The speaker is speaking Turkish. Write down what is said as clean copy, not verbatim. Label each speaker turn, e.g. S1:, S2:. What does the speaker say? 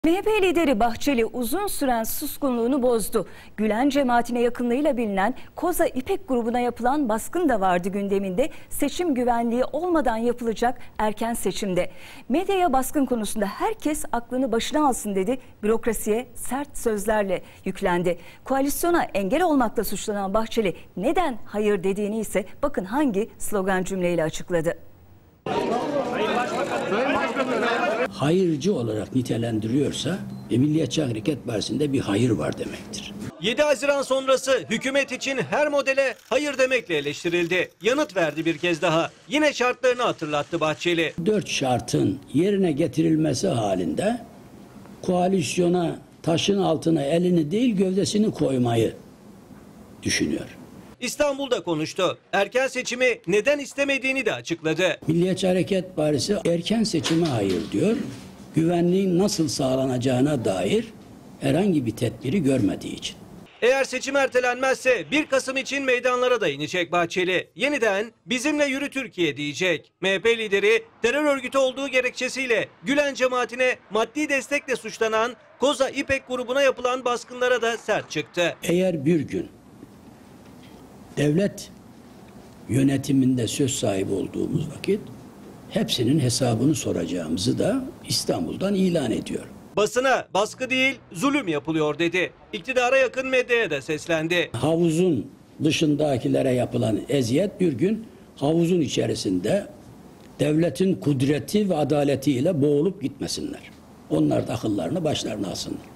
S1: MHP lideri Bahçeli uzun süren suskunluğunu bozdu. Gülen cemaatine yakınlığıyla bilinen Koza İpek grubuna yapılan baskın da vardı gündeminde. Seçim güvenliği olmadan yapılacak erken seçimde. Medyaya baskın konusunda herkes aklını başına alsın dedi. Bürokrasiye sert sözlerle yüklendi. Koalisyona engel olmakla suçlanan Bahçeli neden hayır dediğini ise bakın hangi slogan cümleyle açıkladı.
S2: Hayırcı olarak nitelendiriyorsa Milliyetçi Hareket Partisi'nde bir hayır var demektir.
S3: 7 Haziran sonrası hükümet için her modele hayır demekle eleştirildi. Yanıt verdi bir kez daha. Yine şartlarını hatırlattı Bahçeli.
S2: 4 şartın yerine getirilmesi halinde koalisyona taşın altına elini değil gövdesini koymayı düşünüyor.
S3: İstanbul'da konuştu. Erken seçimi neden istemediğini de açıkladı.
S2: Milliyetçi Hareket Partisi erken seçime hayır diyor. Güvenliğin nasıl sağlanacağına dair herhangi bir tedbiri görmediği için.
S3: Eğer seçim ertelenmezse 1 Kasım için meydanlara da inecek Bahçeli. Yeniden bizimle yürü Türkiye diyecek. MHP lideri terör örgütü olduğu gerekçesiyle Gülen cemaatine maddi destekle suçlanan Koza İpek grubuna yapılan baskınlara da sert çıktı.
S2: Eğer bir gün devlet yönetiminde söz sahibi olduğumuz vakit hepsinin hesabını soracağımızı da İstanbul'dan ilan ediyor.
S3: Basına baskı değil zulüm yapılıyor dedi. İktidara yakın medyaya da seslendi.
S2: Havuzun dışındakilere yapılan eziyet bir gün havuzun içerisinde devletin kudreti ve adaletiyle boğulup gitmesinler. Onlar da akıllarını başlarına alsınlar.